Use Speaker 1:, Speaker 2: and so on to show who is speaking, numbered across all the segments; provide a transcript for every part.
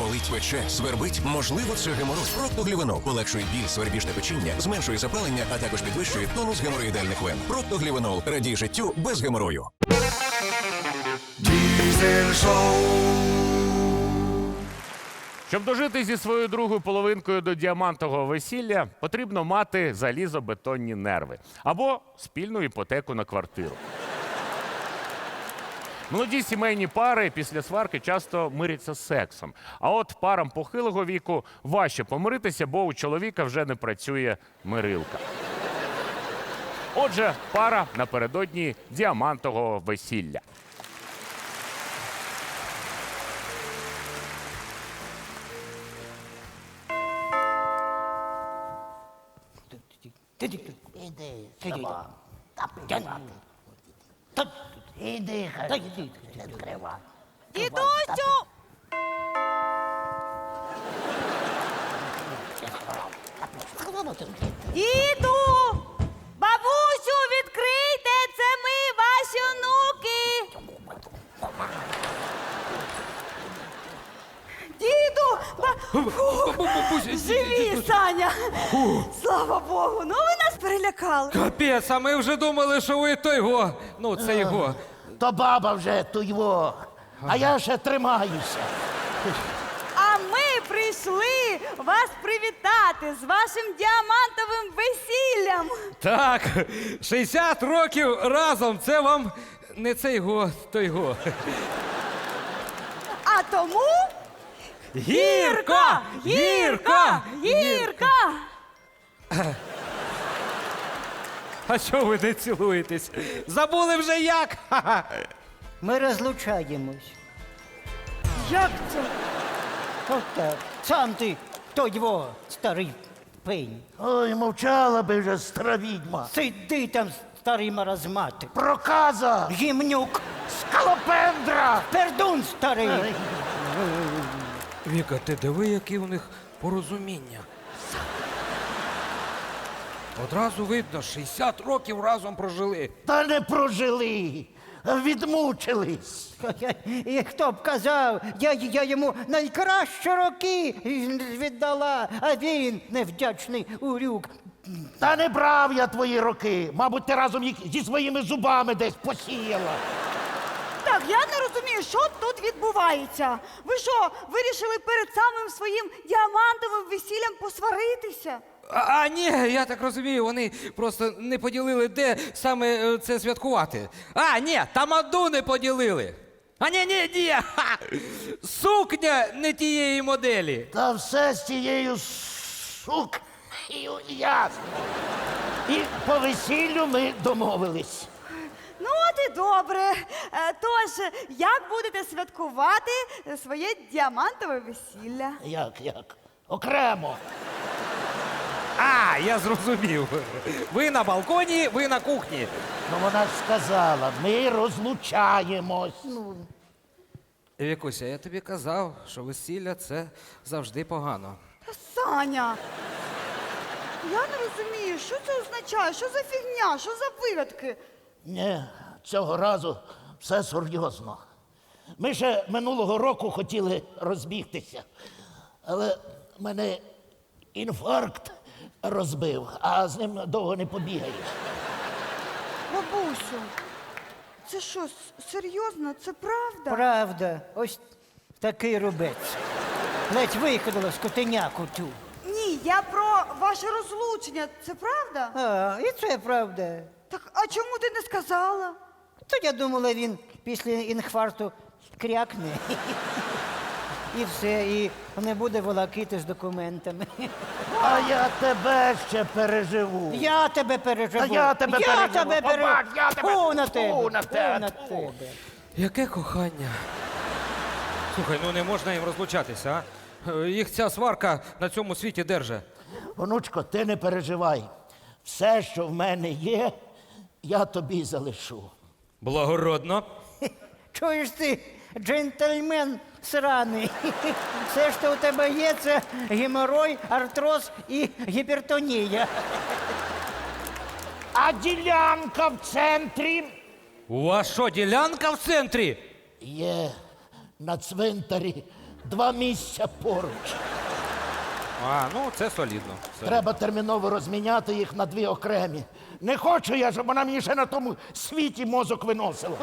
Speaker 1: Болить, пече, свербить? Можливо, це геморой. Проктоглівенол полегшує біль, свербіж та печіння, зменшує запалення, а також підвищує тонус геморроїдальних вен. Проктоглівенол. Радій життю без геморою.
Speaker 2: Diesel Show.
Speaker 3: Щоб дожити зі своєю другою половинкою до діамантового весілля, потрібно мати залізобетонні нерви або спільну іпотеку на квартиру. Молоді сімейні пари після сварки часто миряться сексом. А от парам похилого віку важче помиритися, бо у чоловіка вже не працює мирилка. Отже, пара напередодні діамантового весілля.
Speaker 4: Іди, сама. Іди, відкривай.
Speaker 5: Дідусю! Діду! Бабусю, відкрийте! Це ми, ваші онуки! Діду! Живі, Саня! Слава Богу! Ну ви нас перелякали!
Speaker 6: Капець, а ми вже думали, що ви той його. Ну, це його.
Speaker 4: То баба вже туйво, а я ще тримаюся.
Speaker 5: А ми прийшли вас привітати з вашим діамантовим весіллям!
Speaker 6: Так, 60 років разом. Це вам не цей го, той го.
Speaker 5: А тому
Speaker 6: Гірко! Гірко!
Speaker 5: Гірка!
Speaker 6: А що ви не цілуєтесь? Забули вже як? Ха-ха.
Speaker 7: Ми розлучаємось.
Speaker 5: Як це?
Speaker 7: От так. Сам ти, той його, старий пень.
Speaker 4: Ой, мовчала би вже стара відьма.
Speaker 7: Сиди там, старий маразматик.
Speaker 4: Проказа!
Speaker 7: Гімнюк,
Speaker 4: Скалопендра!
Speaker 7: пердун старий.
Speaker 6: Віка, ти диви, які у них порозуміння. Одразу видно, 60 років разом прожили.
Speaker 4: Та не прожили, відмучились.
Speaker 7: І хто б казав, я йому найкращі роки віддала, а він невдячний урюк.
Speaker 4: Та не брав я твої роки. Мабуть, ти разом їх зі своїми зубами десь посіяла.
Speaker 5: Так, я не розумію, що тут відбувається. Ви що, вирішили перед самим своїм діамантовим весіллям посваритися?
Speaker 6: А ні, я так розумію, вони просто не поділили, де саме це святкувати. А, ні, тамаду не поділили. А ні, ха! Сукня не тієї моделі.
Speaker 4: Та все з тією сукнею ясно. І по весіллю ми домовились.
Speaker 5: Ну, от і добре. Тож, як будете святкувати своє діамантове весілля?
Speaker 4: Як? Окремо.
Speaker 6: А, я зрозумів. Ви на балконі, ви на кухні.
Speaker 4: Ну вона ж сказала, ми розлучаємось.
Speaker 6: Вікуся, я тобі казав, що весілля – це завжди погано.
Speaker 5: Та Саня, я не розумію, що це означає, що за фігня, що за вигадки?
Speaker 4: Ні, цього разу все серйозно. Ми ще минулого року хотіли розбігтися, але мене інфаркт розбив, а з ним довго не побігаєш.
Speaker 5: Бабусю, це що, серйозно? Це правда?
Speaker 7: Правда, ось такий рубець. Ледь викинула скотиняку тю.
Speaker 5: Ні, я про ваше розлучення. Це правда?
Speaker 7: А, і це правда.
Speaker 5: Так, а чому ти не сказала?
Speaker 7: То я думала, він після інфаркту крякне. І все, і не буде волокити з документами.
Speaker 4: А я тебе ще переживу.
Speaker 7: Я тебе переживу.
Speaker 4: Та я тебе переживу. Побач, я тебе-
Speaker 7: Фу на тебе.
Speaker 4: Фу на тебе.
Speaker 7: Фу на
Speaker 4: Фу.
Speaker 7: тебе.
Speaker 6: Яке кохання. Слухай, ну не можна їм розлучатися, а? Їх ця сварка на цьому світі держить.
Speaker 4: Онучко, ти не переживай. Все, що в мене є, я тобі залишу.
Speaker 6: Благородно.
Speaker 7: Чуєш ти, джентльмен сраний. Все, що у тебе є, це геморой, артроз і гіпертонія.
Speaker 4: А ділянка в центрі
Speaker 6: У вас що, ділянка в центрі?
Speaker 4: є на цвинтарі 2 місця поруч.
Speaker 6: А, ну це солідно.
Speaker 4: Треба терміново розміняти їх на 2 окремі. Не хочу я, щоб вона мені ще на тому світі мозок виносила.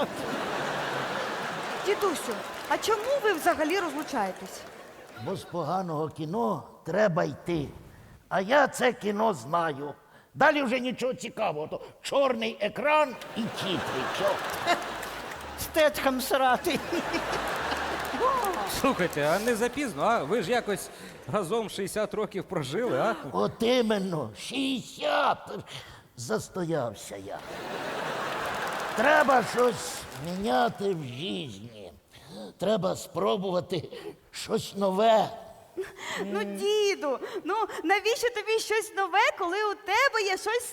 Speaker 5: Дідусю, а чому ви взагалі розлучаєтесь?
Speaker 4: Бо з поганого кіно треба йти. А я це кіно знаю. Далі вже нічого цікавого. То чорний екран і тітри. Чо?
Speaker 7: Стетхам срати.
Speaker 6: Слухайте, а не запізно, а? Ви ж якось разом 60 років прожили, а?
Speaker 4: От іменно, 60. Застоявся я. Треба щось міняти в житті. Треба спробувати щось нове.
Speaker 5: Ну, діду, ну навіщо тобі щось нове, коли у тебе є щось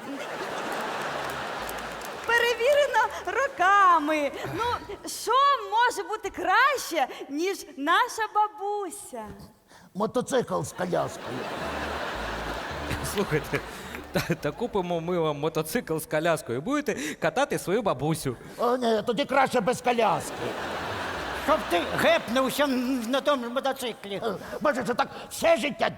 Speaker 5: перевірено роками? Ну, що може бути краще, ніж наша бабуся?
Speaker 4: Мотоцикл з коляскою.
Speaker 6: Слухайте, та купимо ми вам мотоцикл з коляскою. Будете катати свою бабусю.
Speaker 4: О, ні, тоді краще без коляски.
Speaker 7: Щоб ти гепнувся на тому мотоциклі.
Speaker 4: Бачиш, це так все життя.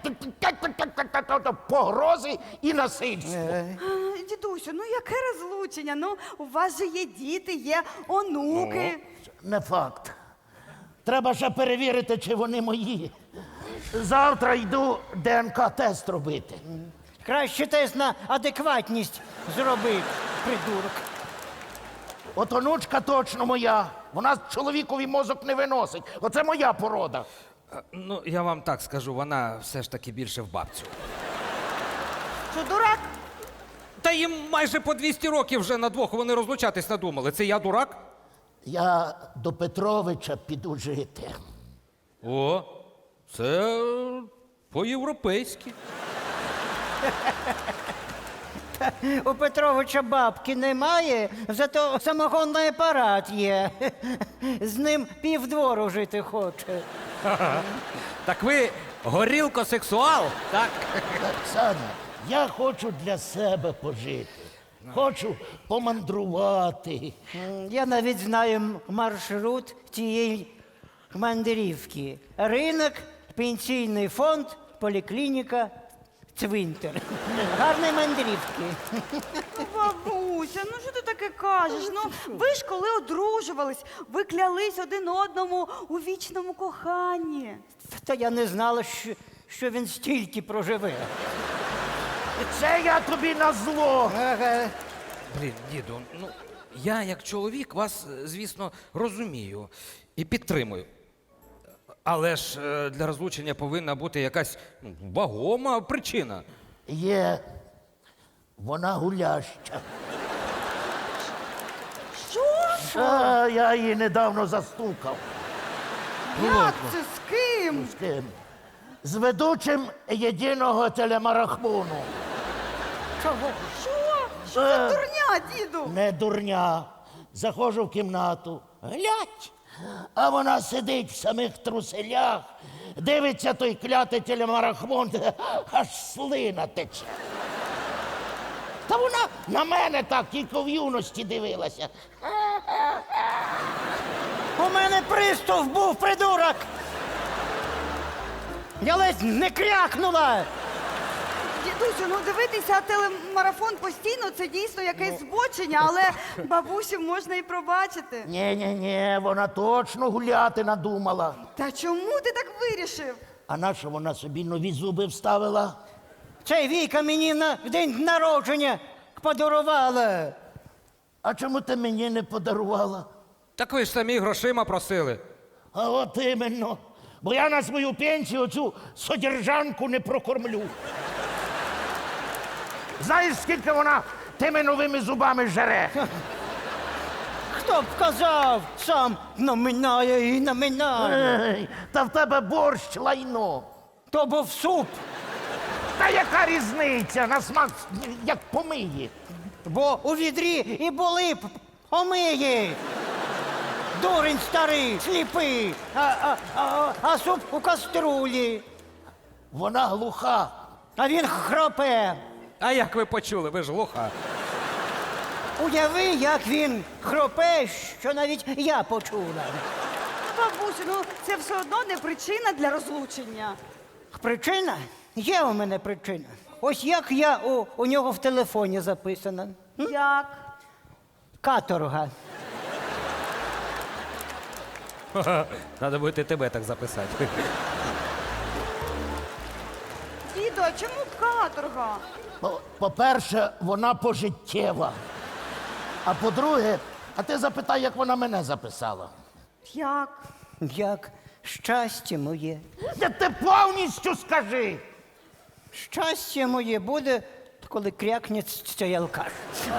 Speaker 4: Погрози і насильство.
Speaker 5: Дідусю, ну яке розлучення? Ну, у вас же є діти, є онуки.
Speaker 4: Не факт. Треба ще перевірити, чи вони мої. Завтра йду ДНК-тест робити.
Speaker 7: Краще тест на адекватність зроби, придурок.
Speaker 4: От онучка точно моя. Вона чоловікові мозок не виносить. Оце моя порода.
Speaker 6: Ну, я вам так скажу, вона все ж таки більше в бабцю.
Speaker 5: Що, дурак?
Speaker 6: Та їм майже по 200 років вже на двох вони розлучатись надумали. Це я дурак?
Speaker 4: Я до Петровича піду жити.
Speaker 6: О, це по-європейськи.
Speaker 7: У Петровича бабки немає, зато самогонний апарат є. З ним півдвору жити хоче.
Speaker 6: Так ви горілкосексуал, так?
Speaker 4: Оксана, я хочу для себе пожити. Хочу помандрувати.
Speaker 7: Я навіть знаю маршрут цієї мандрівки. Ринок, пенсійний фонд, поліклініка, цвинтар. Гарні мандрівки.
Speaker 5: Ну, бабуся, ну що ти таке кажеш? Ну, ви ж коли одружувались, ви клялись один одному у вічному коханні.
Speaker 7: Та я не знала, що він стільки проживе.
Speaker 4: Це я тобі на зло.
Speaker 7: Ага.
Speaker 6: Блін, діду, ну я як чоловік вас, звісно, розумію і підтримую. Але ж для розлучення повинна бути якась вагома причина.
Speaker 4: Є. Вона гуляща.
Speaker 5: Що?
Speaker 4: А, я її недавно застукав.
Speaker 5: Як це? З ким?
Speaker 4: З ким? З ведучим єдиного телемарафону.
Speaker 5: Чого? Що за дурня, діду?
Speaker 4: Не дурня. Заходжу в кімнату. Глядь. А вона сидить в самих труселях, дивиться той клятий телемарафон, аж слина тече. Та вона на мене так тільки в юності дивилася.
Speaker 7: У мене приступ був, придурок! Я ледь не крякнула!
Speaker 5: Дідусю, ну дивитися телемарафон постійно це дійсно якесь збочення, але бабусю можна і пробачити.
Speaker 4: Ні, вона точно гуляти надумала.
Speaker 5: Та чому ти так вирішив?
Speaker 4: А нащо вона собі нові зуби вставила?
Speaker 7: Цей Віка мені на день народження подарувала.
Speaker 4: А чому ти мені не подарувала?
Speaker 6: Так ви ж самі грошима просили.
Speaker 4: А от іменно. Бо я на свою пенсію цю содержанку не прокормлю. Знаєш, скільки вона тими новими зубами жере?
Speaker 7: Хто б казав, сам наминає і наминає.
Speaker 4: Ей, та в тебе борщ лайно.
Speaker 7: То був суп,
Speaker 4: Та яка різниця? На смак як помиє.
Speaker 7: бо у відрі і були помиї. Дурень старий, сліпий, а суп у каструлі.
Speaker 4: Вона глуха.
Speaker 7: А він хропе.
Speaker 6: А як ви почули, ви ж глуха.
Speaker 7: Уяви, як він хропе, що навіть я почула.
Speaker 5: бабусю, ну це все одно не причина для розлучення.
Speaker 7: Причина? Є у мене причина. Ось як я у нього в телефоні записана.
Speaker 5: Як?
Speaker 7: Каторга.
Speaker 6: Треба буде тебе так записати.
Speaker 5: Діду, а чому каторга?
Speaker 4: По-перше, вона пожиттєва. А по-друге, а ти запитай, як вона мене записала.
Speaker 5: Як?
Speaker 7: Як щастя моє.
Speaker 4: Ти повністю скажи.
Speaker 7: Щастя моє буде, коли крякне цей алкаш.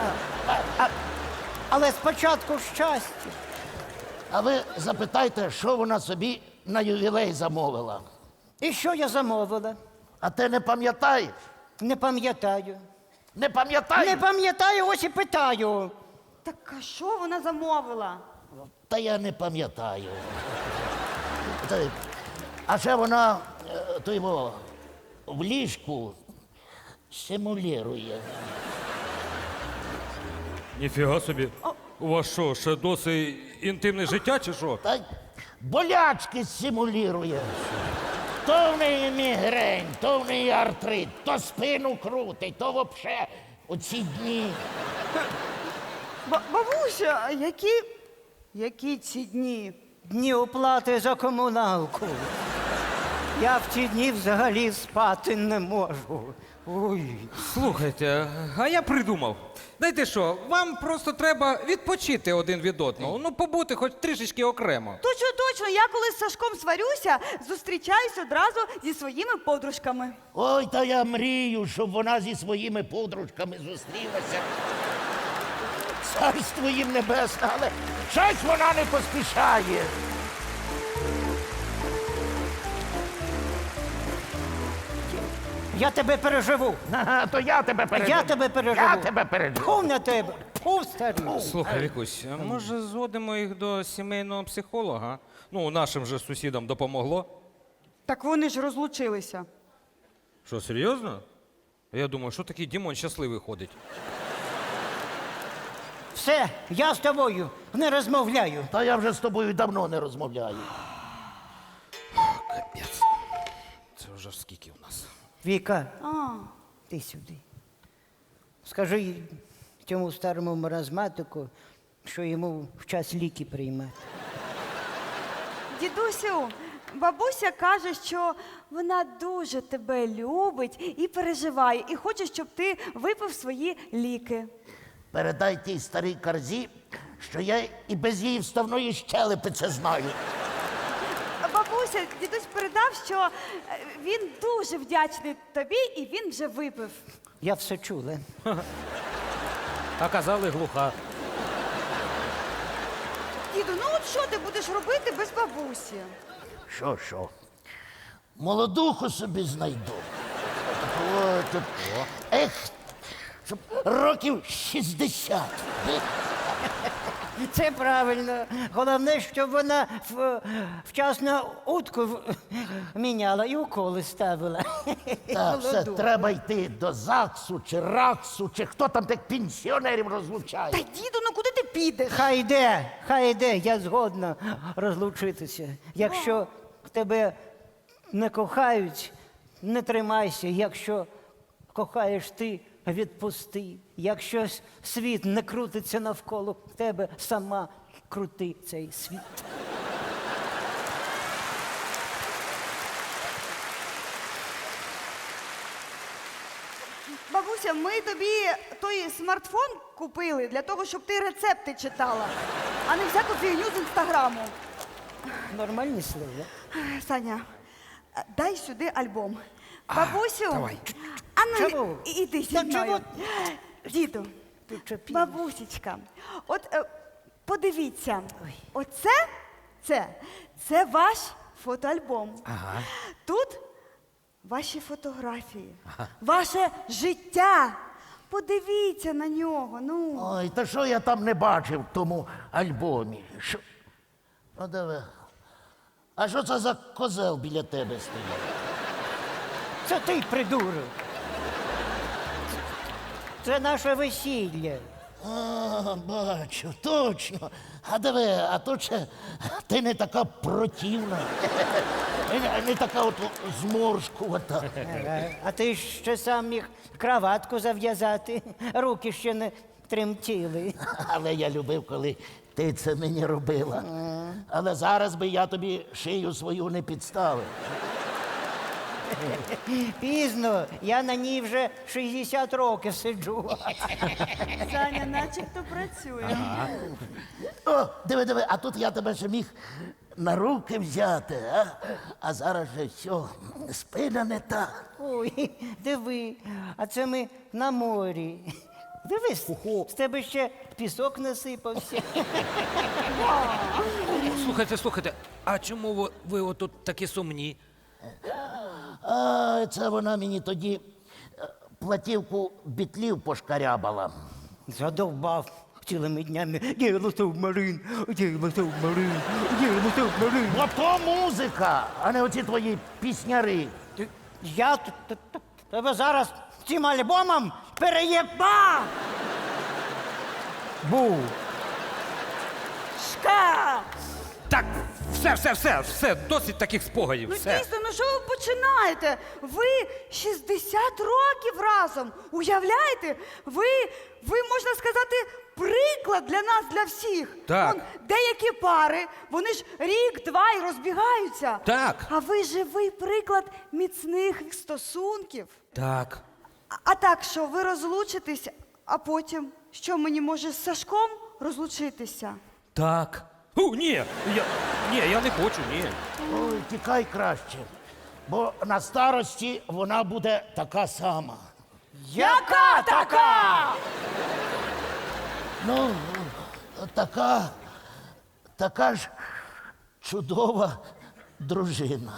Speaker 7: Але спочатку щастя.
Speaker 4: А ви запитайте, що вона собі на ювілей замовила.
Speaker 7: І що я замовила?
Speaker 4: А ти не пам'ятаєш?
Speaker 7: Не пам'ятаю.
Speaker 4: Не пам'ятаєш?
Speaker 7: Не пам'ятаю, ось і питаю.
Speaker 5: Так а що вона замовила?
Speaker 4: Та я не пам'ятаю. А ще вона то його в ліжку симулює.
Speaker 6: Ніфіга собі. У вас що, ще досить інтимне життя чи що?
Speaker 4: Та болячки симулює. То в неї мігрень, то в неї артрит, то спину крутить, то вообще оці дні.
Speaker 5: Бабуся, які ці дні?
Speaker 7: Дні оплати за комуналку. Я в ці дні взагалі спати не можу. Ой.
Speaker 6: Слухайте, а я придумав. Знаєте що, вам просто треба відпочити один від одного. Ну, побути хоч трішечки окремо.
Speaker 5: Точно, я коли з Сашком сварюся, зустрічаюсь одразу зі своїми подружками.
Speaker 4: Ой, та я мрію, щоб вона зі своїми подружками зустрілася. Царство їм небесне, але щось вона не поспішає.
Speaker 7: Я тебе переживу.
Speaker 4: Ага, то я тебе переживу.
Speaker 7: Я тебе переживу.
Speaker 4: Я тебе переживу.
Speaker 7: Тьфу на тебе. Тьфу, старий.
Speaker 6: Слухай, Вікусь, а може зводимо їх до сімейного психолога? Ну, нашим же сусідам допомогло.
Speaker 5: Так вони ж розлучилися.
Speaker 6: Що, серйозно? Я думаю, що такий Дімон щасливий ходить.
Speaker 7: Все, я з тобою не розмовляю.
Speaker 4: Та я вже з тобою давно не розмовляю.
Speaker 6: Капець. Це вже скільки у нас?
Speaker 7: Віка,
Speaker 5: А,
Speaker 7: ти сюди. Скажи цьому старому маразматику, що йому в час ліки приймати.
Speaker 5: дідусю, бабуся каже, що вона дуже тебе любить і переживає, і хоче, щоб ти випив свої ліки.
Speaker 4: Передай тій старій карзі, що я і без її вставної щелепи це знаю.
Speaker 5: Бабуся, дідусь передав, що він дуже вдячний тобі, і він вже випив.
Speaker 7: Я все чула.
Speaker 6: А казали глуха.
Speaker 5: Діду, ну от що ти будеш робити без бабусі?
Speaker 4: Що? Молодуху собі знайду. От. Ех, щоб років 60.
Speaker 7: Це правильно. Головне, щоб вона вчасно утку міняла і уколи ставила.
Speaker 4: Так, все,
Speaker 7: Молоду.
Speaker 4: треба йти до ЗАГСу чи РАКСу, чи хто там тих пенсіонерів
Speaker 5: Та
Speaker 4: розлучає.
Speaker 5: діду, ну куди ти підеш?
Speaker 7: Хай йде, я згодна розлучитися. Якщо тебе не кохають, не тримайся. Якщо кохаєш ти, відпусти. Якщо світ не крутиться навколо тебе, сама крути цей світ.
Speaker 5: Бабуся, ми тобі той смартфон купили для того, щоб ти рецепти читала, а не всяку фігню з інстаграму.
Speaker 7: Нормальні слова.
Speaker 5: Саня, дай сюди альбом. Бабусю,
Speaker 6: давай.
Speaker 5: а ну
Speaker 7: Чому?
Speaker 5: іди зі
Speaker 7: Та
Speaker 5: мною.
Speaker 7: чого?
Speaker 5: Діду,
Speaker 7: Ти чопі.
Speaker 5: бабусечка, от подивіться, це ваш фотоальбом.
Speaker 6: Ага.
Speaker 5: Тут ваші фотографії, ваше життя. Подивіться на нього. Ну.
Speaker 4: Ой, та що я там не бачив в тому альбомі? Що? Ну, диви. А що це за козел біля тебе стоїть?
Speaker 7: Це ти придурок. Це наше весілля.
Speaker 4: А, бачу, точно. А диви, а тут ще ти не така противна, не така от зморшкувата.
Speaker 7: А ти ще сам міг краватку зав'язати, руки ще не тремтіли.
Speaker 4: Але я любив, коли ти це мені робила. Але зараз би я тобі шию свою не підставив.
Speaker 7: Пізно, я на ній вже 60 років сиджу.
Speaker 5: Саня начебто працює.
Speaker 4: О, диви, а тут я тебе ще міг на руки взяти, а? А зараз же все, спина не та.
Speaker 7: Ой, диви, а це ми на морі. Дивись, з тебе ще пісок насипався.
Speaker 6: Слухайте, а чому ви отут такі сумні?
Speaker 4: А це вона мені тоді платівку бітлів пошкарябала.
Speaker 7: Задовбав цілими днями. Діло субмарин, діло субмарин, діло субмарин.
Speaker 4: Ото музика, а не оці твої пісняри.
Speaker 7: Я тебе зараз цим альбомом переєбав! Був.
Speaker 5: Шка!
Speaker 6: Так, все, досить таких спогадів.
Speaker 5: Ну
Speaker 6: Все.
Speaker 5: дійсно, ну що ви починаєте? Ви 60 років разом. Уявляєте? Ви, можна сказати, приклад для нас, для всіх.
Speaker 6: Так.
Speaker 5: Деякі пари, вони ж рік-два і розбігаються.
Speaker 6: Так.
Speaker 5: А ви живий приклад міцних стосунків.
Speaker 6: Так.
Speaker 5: А так що, ви розлучитесь, а потім, що мені може з Сашком розлучитися?
Speaker 6: Так. Ні, я не хочу, ні.
Speaker 4: Ой, тікай краще, бо на старості вона буде така сама.
Speaker 5: Яка така?
Speaker 4: Ну, така ж чудова дружина.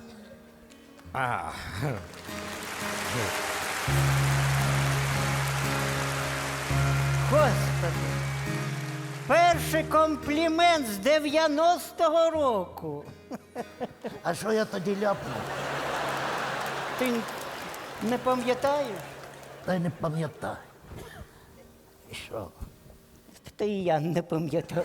Speaker 7: Господи, перший комплімент з 90-го року.
Speaker 4: А що я тоді ляпнув?
Speaker 7: Ти не пам'ятаєш?
Speaker 4: Та й не пам'ятаю. І що?
Speaker 7: Та і я не пам'ятаю.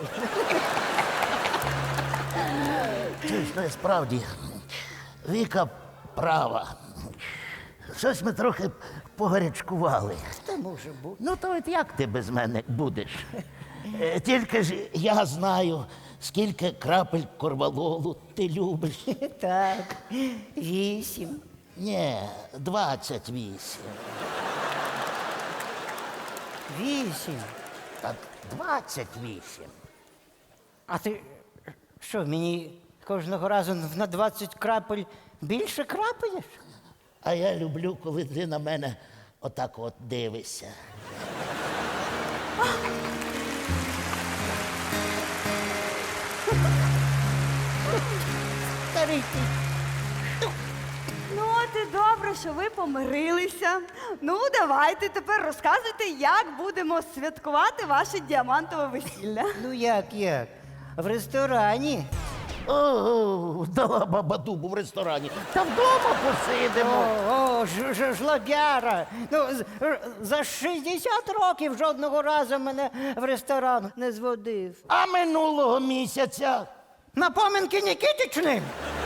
Speaker 4: Чуєш, справді, Віка права. Щось ми трохи погарячкували.
Speaker 7: Та може бути.
Speaker 4: Ну, то от як ти без мене будеш? Тільки ж я знаю, скільки крапель корвалолу ти любиш.
Speaker 7: Так, 8.
Speaker 4: Ні, 28.
Speaker 7: 8.
Speaker 4: Так, 28.
Speaker 7: А ти що, мені кожного разу на 20 крапель більше крапаєш?
Speaker 4: А я люблю, коли ти на мене отак от дивишся.
Speaker 7: Старий ти.
Speaker 5: Ну, от і добре, що ви помирилися. Ну, давайте тепер розказуйте, як будемо святкувати ваше діамантове весілля.
Speaker 7: Ну як? В ресторані.
Speaker 4: О, дала баба дубу в ресторані. Та вдома посидимо.
Speaker 7: Жлобяра. Ну, за 60 років жодного разу мене в ресторан не зводив.
Speaker 4: А минулого місяця
Speaker 7: На поминки Нікітичним?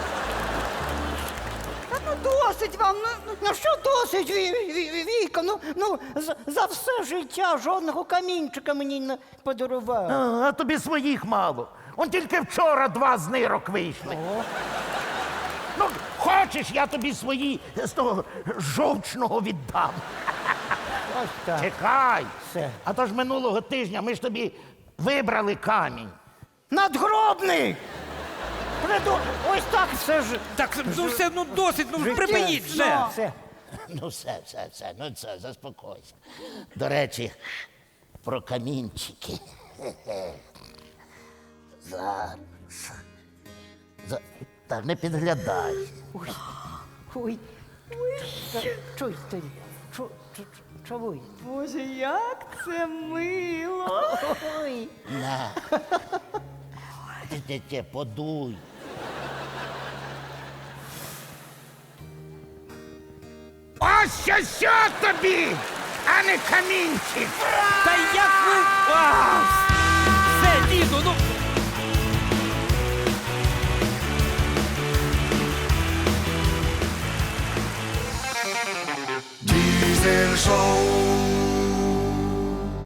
Speaker 5: Та ну досить вам.
Speaker 7: Ну що досить, Віка? Ну, за все життя жодного камінчика мені не подарував.
Speaker 4: а тобі своїх мало. Он тільки вчора 2 з нирок вийшли. Ну, хочеш, я тобі свої з того жовчного віддам.
Speaker 7: Ось так.
Speaker 4: Чекай.
Speaker 7: Все.
Speaker 4: А то ж минулого тижня ми ж тобі вибрали камінь.
Speaker 7: Надгробний! Ось так все ж.
Speaker 6: Так, ну все, ну досить, ну
Speaker 7: Життя.
Speaker 6: припиніть вже.
Speaker 7: Все.
Speaker 4: Ну, все, ну це, заспокойся. До речі, про камінчики. Зараз. Так, не підглядай.
Speaker 7: Ой. Чуй, ти. Чуй.
Speaker 5: Боже, як це мило.
Speaker 7: Ой.
Speaker 4: На. Ти, подуй. Ось що тобі! а не камінчик.
Speaker 6: Та як ви. А, все, діду, ну.
Speaker 2: Diesel Show.